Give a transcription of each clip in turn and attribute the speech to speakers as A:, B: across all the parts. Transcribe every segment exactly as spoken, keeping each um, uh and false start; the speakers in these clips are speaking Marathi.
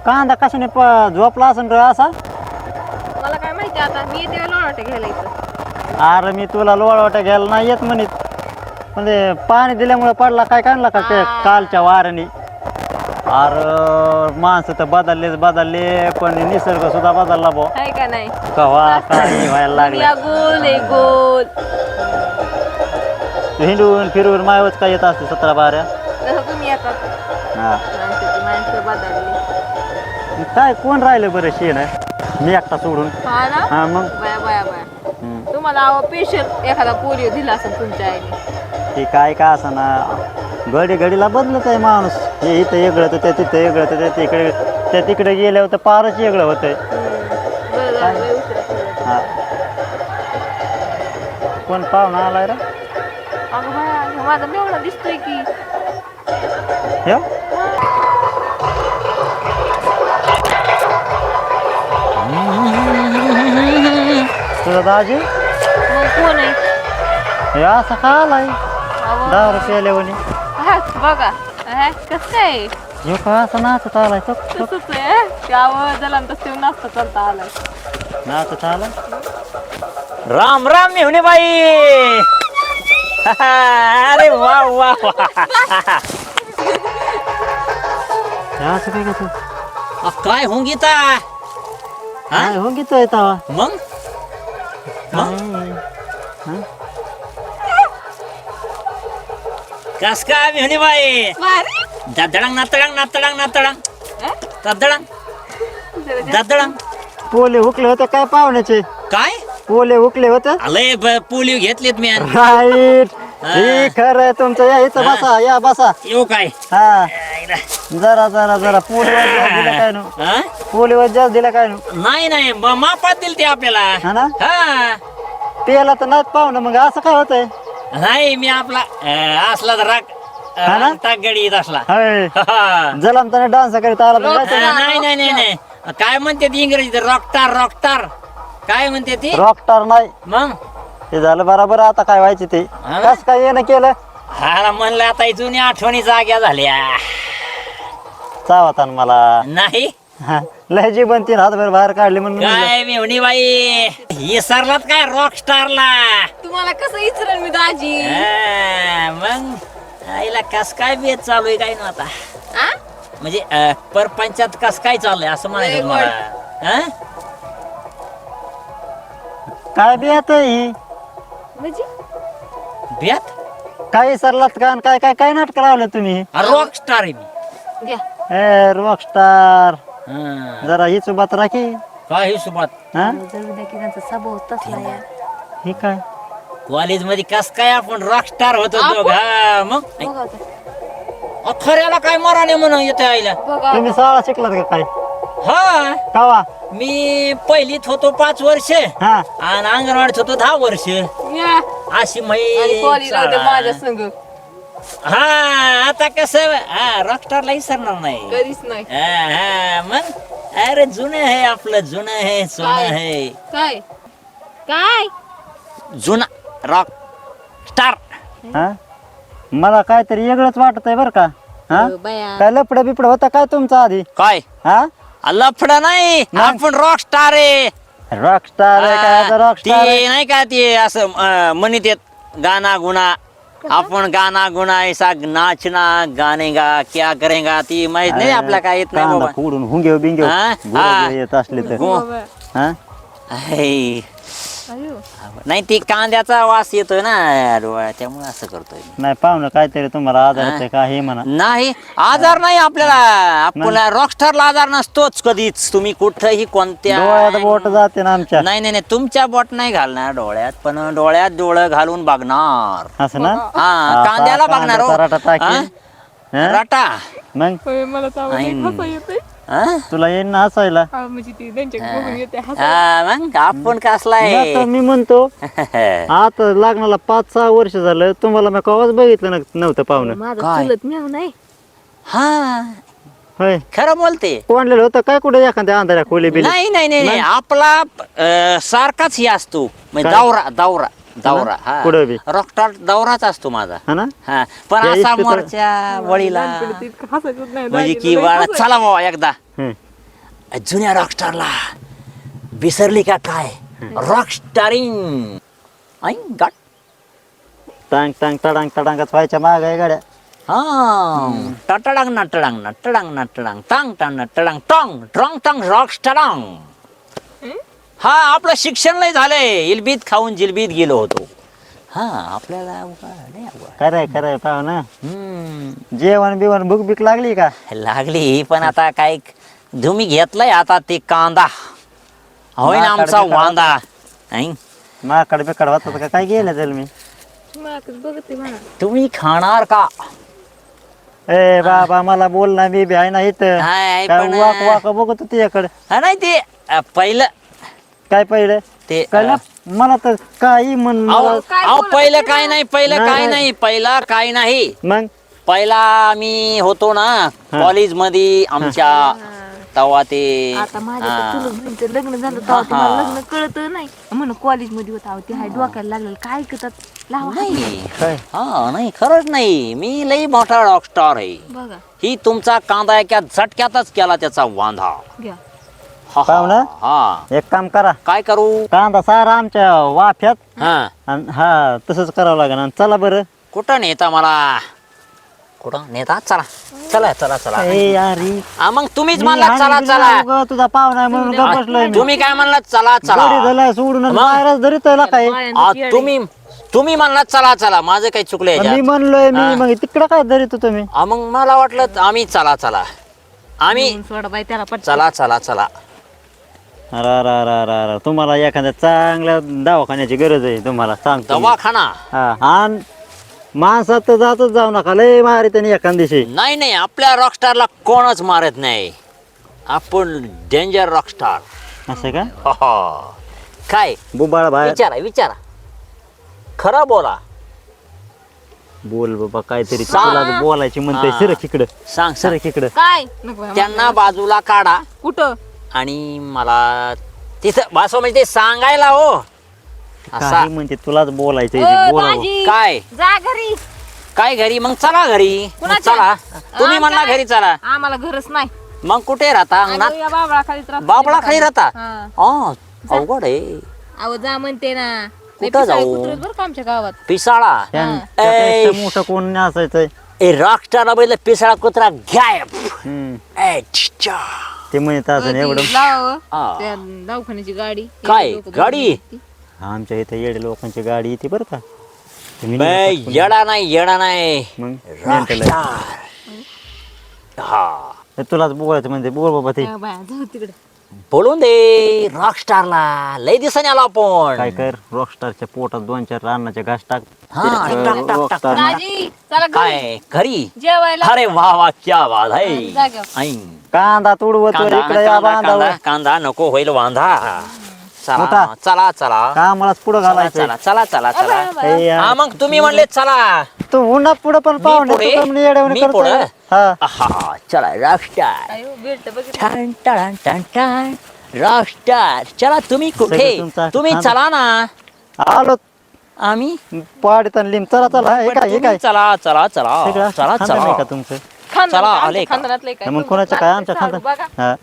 A: कांदा कशाने प- झोपला असेल रे असा?
B: मला काय माहिती आता मी येते लोणावळ्या घ्यायला इथं.
A: अरे मी तुला लोळवाट्या घ्यायला नाही येत म्हणित, म्हणजे पाणी दिल्यामुळे पडला काय काढला का ते कालच्या वाऱ्याने? अरे माणसं तर बदललेच बदलले, पण निसर्ग सुद्धा बदलला भाऊ.
B: आहे का नाही?
A: कवा काय व्हायला लागलं.
B: या गोल आहे गोल.
A: हिंडून फिरून मायवच काय येत असते सतरा बाऱ्या.
B: जसं तुम्ही येतात
A: हा
B: माणसाची माणसं बदलली.
A: काय कोण राहिलं बरं शेण मी एकटा सोडून.
B: हा ना?
A: हा मग
B: बाया बाया बाया.
A: हम्म.
B: तुम्हाला अहो पेशंट एखादा पोलिओ दिला असेल तुमच्या आईने.
A: ते काय का असं ना, घडी घडीला बदलत आहे माणूस. हे इथं वेगळं तर त्या तिथं वेगळं तर त्या तिकडे त्या तिकडे गेल्यावर तर फारच वेगळं होतंय.
B: बरं झालं, लय उशिरा कळलं.
A: हा कोण पाहुणा आलाय रे?
B: अगं बाया, ह्यो माझा मेवणा दिसतोय की.
A: हे तुझा दाजी
B: मग कोण आहे?
A: हे असं का आलाय
B: अहो,
A: दहा रुपये आल्यावर?
B: हा, बघा हा, कसं काय
A: हे का असं नाचत आलाय तो
B: तसंच आहे. त्यावर जला तसं नाचता चालता आलाय.
A: नाचत आला. राम राम मेहुणे बाई. अरे वा वा वा. असं काय तू
C: अ, काय होऊन गीता
A: काय हो घेतोय तवा?
C: मग कस काय मेहनी बाई ददडंग नातडंग नातडंग नातडंग ददडंग ददडंग
A: पोले हुकले होते काय पाहुण्याचे?
C: काय
A: पोले हुकले होते.
C: आलंय पोलिओ घेतलेत मी आणि.
A: राईट. हे खरं आहे तुमचं. या इथं बसा, या बसा.
C: येऊ काय
A: हा जरा जरा जरा पोलीवर जास्त दिला काय नु
C: हा?
A: पोलीवर जास्त दिला काय नु
C: नाही नाही ब- मापात दिल ते आपल्याला
A: हा ना?
C: हा
A: पेला तर नाही पाहुणं, मग असं काय होतंय?
C: नाही मी आपला अ, असला तर राग
A: हा ना?
C: टाक गडी येत असला
A: होय.
C: हा.
A: जलमताने डान्स करीत आला तर
C: अ,
A: जायचं ना.
C: नाही नाही नाही नाही काय म्हणते ती इंग्रजीत रॉकटार रॉकटार काय म्हणते ती
A: रॉकस्टार नाही
C: मग
A: ते झालं बरोबर. आता काय व्हायचे ते
C: हा?
A: कस काय येणं केलं
C: हा म्हणलं आता ही जुनी आठवणी जाग्या झाल्या
A: चावतान मला.
C: नाही
A: हा, लय जी बनती हातभर बाहेर काढली म्हणून म्हणलं.
C: काय मेवणी बाई विसरलात काय रॉकस्टारला
B: तुम्हाला कसं विचारेल मी दाजी?
C: हा, मग आईला कस काय बेत चालू आहे काय ना आता
B: आ?
C: म्हणजे अ, परपंचात कस काय चालू आहे असं म्हणायचं
B: लय
C: तुम्हाला हा?
A: काय बी आता ही
B: म्हणजे
C: बेत
A: काय सरलात का आणि काय काय काय नाटक लावलं तुम्ही?
C: रॉकस्टार आहे मी
B: घ्या.
A: ए रॉकस्टार
C: हा.
A: जरा ही चुबात राखी.
C: काय हिशोबात
A: हा
B: जाऊ द्या की त्यांचा स्वभाव तसला आहे.
A: ही काय
C: कॉलेज मध्ये कस काय आपण रॉकस्टार होतो
B: आपण?
C: दोघ हा मग
B: बघा आता.
C: अ, खऱ्याला काय मराने म्हणून येते आईला
B: बघा
A: तुम्ही शाळा शिकलात का काय?
C: हा
A: कावा
C: मी पहिलीत होतो पाच वर्ष
A: हा
C: आणि अंगणवाडीत होतो दहा वर्ष
B: या.
C: अशी
B: आणि
C: माई
B: कॉलेजला होते माझ्या संग
C: हा आता कस हा रॉकस्टारला विसरणार नाही
B: कधीच नाही.
C: हा, हा, मग अरे जुनं आहे आपलं जुनं आहे सोनं
B: काय?
C: आहे
B: काय काय
C: जुना रॉक स्टार
A: हा मला काहीतरी वेगळंच वाटत आहे बरं का. हा
B: अ, बाया.
A: काय लपड बिपड होता काय तुमचा आधी?
C: काय
A: हा
C: लफड नाही
A: मग?
C: आपण रॉक स्टार आहे
A: रॉकस्टार आहे काय? रॉकस्टार
C: ते नाही का ते असं अं, म्हणत येत गाना गुना आपण गाना गुना ऐसा नाचना गाणेगा क्या करेगा ती माहित नाही आपल्याला काय येत नाही
A: कांदा
C: बाबा
A: फोडून हुंगे बिंगे
C: हा? हा.
A: येत असले तर
C: गो-
A: हा
C: आहे.
B: अयो.
C: नाही ती कांद्याचा वास येतोय ना डोळ्यात त्यामुळे असं करतोय मी.
A: नाही पाहुणं काहीतरी तुम्हाला आजार होतोय का हे म्हणा.
C: नाही आजार नाही आपल्याला आपल्याला रॉकस्टारला आजार नसतोच कधीच तुम्ही कुठंही कोणत्या
A: डोळ्यात बोट जाते ना आमच्या.
C: नाही नाही नाही तुमच्या बोट नाही घालणार डोळ्यात पण डोळ्यात डोळं घालून बघणार
A: असं ना.
C: हा
A: असा
C: कांद्याला बघणार हो.
A: कांद्याचा रटा टाकीन.
C: हा?
A: हा?
C: रटा
A: मग
B: होय, मला तर आवडलं.
C: नाही.
B: हसा येते.
C: हा?
A: तुला येईन ना हसायला.
B: हा, म्हणजे ती त्यांच्या बघून येते हसा.
C: हा, मग आपण कसलाय
A: आता मी म्हणतो आता लग्नाला पाच सहा वर्ष झालं तुम्हाला मी कवाच बघितलं न- नव्हतं पाहुणं.
B: माझा
C: काय?
B: चुलत म्याव नाही.
C: हा
A: होय
C: खरं बोलते
A: कोणलेलं होतं काय कुठे एखाद्या अंधाऱ्या खोली बिली?
C: नाही नाही नाही नाही
A: मग?
C: आपला अं, सारखाच हे असतो म्हणजे
A: काय?
C: दौरा दौरा दौरा हा
A: कुठं बी?
C: रॉकस्टार दौराच असतो माझा
A: हा ना.
C: हा पण
A: त्या
C: असा
A: इस्पितळ-
C: मोरच्या वळीला
B: लहानपणी ते इतकं हसायचंच नाही.
C: म्हणजे
B: दाजीला
C: की
B: लई
C: बाळा
B: हसायचं.
C: चला बाबा एकदा
A: हं.
C: जुन्या रॉकस्टारला विसरली का काय? रॉकस्टारिंग आई गाट
A: टांग टांग टडांग टडांगच व्हायच्या माग आहे गाड्या.
C: हा टटडांग नटडांग नटडांग नटडांग टांग टांग नटडांग टॉंग ट्रॉंग टांग रॉकस्टारांग. हा आपलं शिक्षण लय झालंय, इलबीत खाऊन जिलबीत गेलो होतो. हा आपल्याला अवघड नाही अवघड.
A: खरंय खरंय पाहू ना.
C: हम्म,
A: जेवण बिवण भूक बीक लागली का?
C: लागली पण आता काय तुम्ही घेतलंय आता ते कांदा होय ना आमचा वांदा. नाही
A: माकड बिकड होत का काय गेलं त्याला मी.
B: मागच बघते म्हणा.
C: तुम्ही खाणार का?
A: ए बाबा मला बोल ना, मी बी आहे ना इथं.
C: हाय,
A: काय
C: पण-
A: वाक वाक बघत तुझ्याकडे.
C: हा नाही ते अ, पहिलं
A: काय पहिलं
C: ते
A: कळलं मला तर काही म्हण
C: अहो
A: मला-
B: काय
C: अहो,
B: बोलत
C: पहिलं
B: होते
C: काय
B: ना?
C: नाही पहिलं
A: नाही,
C: काय
A: नाही.
C: नाही पहिला काय नाही.
A: मग
C: पहिला मी होतो ना कॉलेज मध्ये आमच्या तेव्हा ते
B: आता माझ्या
C: हा.
B: तर चुलत बहिणीचं लग्न झालं
C: हा,
B: तेव्हा ते मला
C: हा.
B: लग्न कळत नाही म्हणून कॉलेज मध्ये होता अहो, ते हाय डोक्याला लागलेलं काय ऐकतात लावा हात.
C: नाही
A: काय
C: हा नाही खरंच नाही, मी लई मोठा रॉकस्टार आहे.
B: बघा
C: ही तुमचा कांदा एका झटक्यातच केला त्याचा वांधा.
B: घ्या
C: हा,
A: पाहू ना?
C: हा
A: एक काम करा,
C: काय करू?
A: कांदा सारा आमच्या वाफ्यात
C: हा
A: आणि हा तसंच करावं लागेल. आणि चला बरं.
C: कुठं नेता मला? कुठं नेता? चला चला चला चला.
A: ए यारी
C: हा, मग तुम्हीच
A: मी
C: म्हणला चला
A: हाणली
C: चला.
A: नाही उगा, तुझा पाहुणा आहे म्हणून गप्प बसलोय मी.
C: तुम्ही काय म्हणला चला
A: गडी
C: चला.
A: झालाय सोडून आणि
C: मग?
A: बाहेरच धरीत आहे काय.
B: बायांचं
C: आ,
B: येडे.
C: तुम्ही तुम्ही म्हणला चला चला, माझं काही चुकलं
A: मी
C: याच्यात.
A: म्हणलोय मी
C: हा.
A: मग तिकडं काय धरीत होतो मी.
C: आ, मग मला वाटलं आम्ही चला चला आम्ही
B: म्हणून सोडा बाई त्याला पटकन.
C: चला चला चला.
A: अरे अरे अरे अरे अरे तुम्हाला एखाद्या चांगल्या दवाखान्याची गरज आहे तुम्हाला सांगतो मी.
C: दवाखाना
A: हा आणि माणसात तर जातच जाऊ नका, लय मारी त्याने एखाद दिवशी.
C: नाही नाही, आपल्या रॉकस्टारला कोणच मारत नाही. आपण डेंजर रॉकस्टार.
A: असं का?
C: हो, हो. काय
A: बुबाळ बाहेर
C: विचारा विचारा, खरं बोला.
A: बोल बाबा काहीतरी
C: सांग.
A: तुला बोलायची म्हणते.
C: हा.
A: सरक इकडं
C: सांग सांग.
A: सरक इकडं.
B: काय नको बाई,
C: त्यांना बाजूला काढा
B: कुठं
C: आणि मला तिथं बसव, म्हणजे ते सांगायला हो असा.
A: काही म्हणते तुलाच बोलायचं
B: ओ,
A: बोलावं.
B: बाजी,
C: काय
B: जा घरी.
C: काय घरी? मग चला घरी. मग
B: कुणाच्या?
C: चला तुम्ही म्हणला
B: आमच्या
C: घरी चला.
B: आम्हाला घरच नाही
C: मग कुठे राहता? अंगणात?
B: अगं, या बाबळा खाली
C: बाबळा खाली राहता?
B: हा.
C: อ๋อअवघड आहे.
B: अहो जा म्हणते ना. लय
C: कुठं
B: पिसाळे
C: जाऊ?
B: कुत्रे आहेत बरं का आमच्या गावात.
C: पिसाळा?
A: त्यां-
B: हा.
A: त्यापेक्षा
C: ऐ.
A: मोठं कोण नाही असायचंय.
C: ए रॉकस्टारला बैल पिसाळा कुत्रा गायब.
A: हम्म.
C: ए, छिच्छा.
A: ते म्हणत असं
B: ती
A: एवढं.
B: लावा,
C: हा.
B: त्या दवाखान्याची गाडी.
C: काय?
B: लोकं
C: गाडी?
B: बघून
A: आमच्या इथे येडे लोकांची गाडी येते बरं का. तुम्ही
C: बे,
A: नाही का?
C: येडा नाही येडा नाही,
A: मग mental आहे.
C: रॉकस्टार. हा
A: तर तुलाच बोलायचं म्हणजे बोल बाबा ते.
B: हा, बाया, जाऊ तिकडे.
C: बोलून दे रॉकस्टारला. लय दिवसाने आलो
A: काय
C: आपण.
A: कर, रॉकस्टारच्या पोटात दोन चार रानाच्या घास टाक.
C: हा, टाक, टाक, टाक, टाक.
A: रॉकस्टार
B: दाजी, चला घरी.
C: काय घरी?
B: जेवायला
C: अरे वा वा क्या बात आहे.
B: जाग्यावर.
C: ऐ.
A: कांदा तुडवतो
C: कांदा
A: इकडे या
C: कांदा
A: बांधावर.
C: कांदा कांदा नको होईल वांधा. चला
A: मोठा.
C: चला चला
A: कामालाच पुढं
C: चला
A: घालायचं.
C: चला चला चला
B: अबे,
C: चला.
B: अबे.
A: ए यार,
C: हा मग तुम्ही म्हणले चला.
A: तू उन्हा पुढं पण पाहुणे
C: पुढे?
A: तू कमी येड्यावानी
C: मी
A: करतोय.
C: पुढं?
A: हा
C: हा चला रॉकस्टार.
B: अयो, बेल्ट बघितलं.
C: टन टन टन टन रॉकस्टार. चला तुम्ही कुठे?
A: सगळं तुमचा
C: तुम्ही
A: खांदा.
C: चला ना.
A: आलो
C: आम्ही
A: पाडीत आणि लिंब. चला चला हे
C: पण
A: काय हे
C: तुम्ही
A: काय
C: चला चला चला
A: सगळं
C: चला
A: खांदा नाही का
C: चला.
A: तुमचं?
B: खानदान
C: चला,
B: का?
C: आले
B: आमच्या
C: का?
B: खानदानातलं काय?
A: मग कोणाचं काय आमच्या
B: साडू
A: खांदा
B: बघा.
A: हा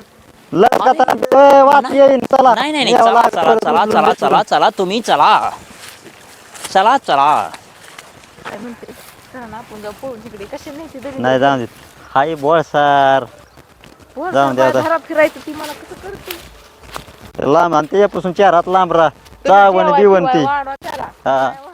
A: लगत वाट येईन. चला
C: नाही नाही नाही
A: यावं
C: चला
A: लागतं,
C: चला चला
A: उचलून
C: चला
A: उचलून.
C: चला चला तुम्ही चला. चला चला.
B: काय म्हणते? चला ना, आपण जाऊ पळून तिकडे. कशी नाही ती दरी?
A: नाही जाऊन देत. हाय बोळ सर
B: वर
A: जाऊन द्या
B: बाया
A: आता.
B: घरात फिरायचं ती मला कसं करते?
A: लांब आणि त्याच्यापासून चार हात लांब राहा. चावण
B: जेवाय
A: बिवण
B: बिवाय
A: ती
B: वाढवा त्याला.
A: हा
B: काय